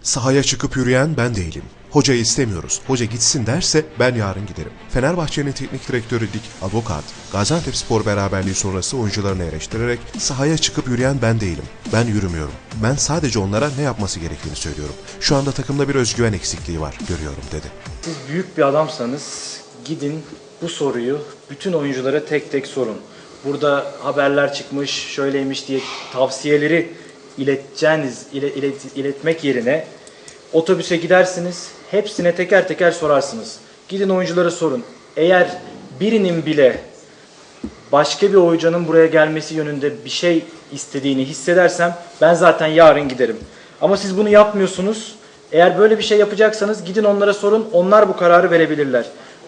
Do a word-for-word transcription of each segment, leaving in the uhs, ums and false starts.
Sahaya çıkıp yürüyen ben değilim. Hocayı istemiyoruz. Hoca gitsin derse ben yarın giderim. Fenerbahçe'nin teknik direktörü Dik Advokat, Gaziantepspor beraberliği sonrası oyuncularını eleştirerek sahaya çıkıp yürüyen ben değilim. Ben yürümüyorum. Ben sadece onlara ne yapması gerektiğini söylüyorum. Şu anda takımda bir özgüven eksikliği var, görüyorum dedi. Siz büyük bir adamsanız gidin bu soruyu bütün oyunculara tek tek sorun. Burada haberler çıkmış, şöyleymiş diye tavsiyeleri ileteceğiniz, ile, ilet, iletmek yerine otobüse gidersiniz, hepsine teker teker sorarsınız. Gidin oyunculara sorun. Eğer birinin bile başka bir oyuncunun buraya gelmesi yönünde bir şey istediğini hissedersem ben zaten yarın giderim. Ama siz bunu yapmıyorsunuz. Eğer böyle bir şey yapacaksanız gidin onlara sorun, onlar bu kararı verebilirler.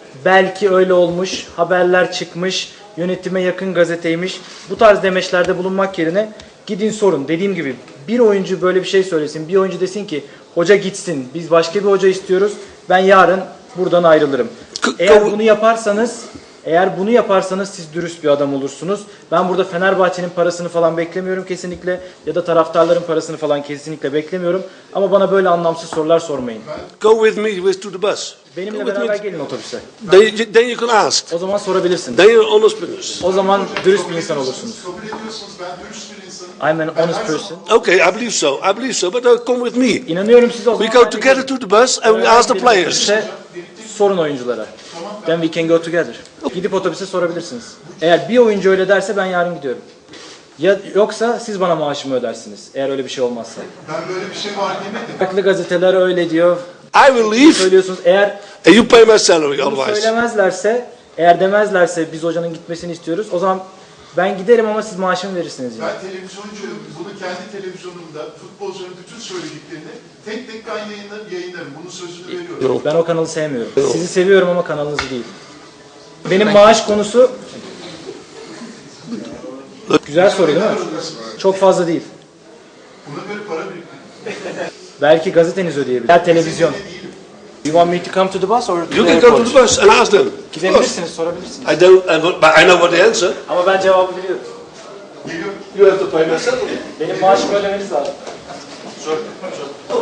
Belki öyle olmuş, haberler çıkmış, yönetime yakın gazeteymiş. Bu tarz demeçlerde bulunmak yerine gidin sorun. Dediğim gibi bir oyuncu böyle bir şey söylesin, bir oyuncu desin ki hoca gitsin, biz başka bir hoca istiyoruz, ben yarın buradan ayrılırım. Eğer bunu yaparsanız, eğer bunu yaparsanız siz dürüst bir adam olursunuz. Ben burada Fenerbahçe'nin parasını falan beklemiyorum kesinlikle ya da taraftarların parasını falan kesinlikle beklemiyorum. Ama bana böyle anlamsız sorular sormayın. Go with me with to the bus. Benimle beraber gelin otobüse. Then, then you can ask. O zaman sorabilirsiniz. Then you're honest business. O zaman dürüst bir insan olursunuz. Kabul ediyorsunuz, ben dürüst bir insanım. I'm an honest person. Okay, I believe so. I believe so. But uh, come with me. İnanıyorum size o zaman. We go together to the bus and we ask the players. Otobüse sorun oyunculara. Then we can go together. Gidip otobüse sorabilirsiniz. Eğer bir oyuncu öyle derse ben yarın gidiyorum. Ya yoksa siz bana maaşımı ödersiniz. Eğer öyle bir şey olmazsa. Ben böyle bir şey var demedim. Farklı gazeteler öyle diyor. I will leave Söylüyorsunuz. Eğer and you pay my salary bunu otherwise. söylemezlerse, eğer demezlerse biz hocanın gitmesini istiyoruz. O zaman ben giderim ama siz maaşımı verirsiniz yine. Ben televizyoncuyum. Bunu kendi televizyonumda futbolcuların bütün söylediklerini tek tek ben yayınlarım, yayınlarım. Bunun sözünü veriyorum. Ben o kanalı sevmiyorum. Sizi seviyorum ama kanalınızı değil. Benim maaş konusu güzel soru değil mi? Çok fazla değil. Buna göre para biriktirin. Belki gazeteniz ödeyebilir. Ya televizyon. You want me to come to the bus or to You the can go to airport? the bus and ask them. Gidebilirsiniz, sorabilirsiniz. I don't, I don't- but I know what the answer. Ama ben cevabı biliyorum. Geliyor. You have to pay my salary. Benim maaşımı ödemeniz lazım.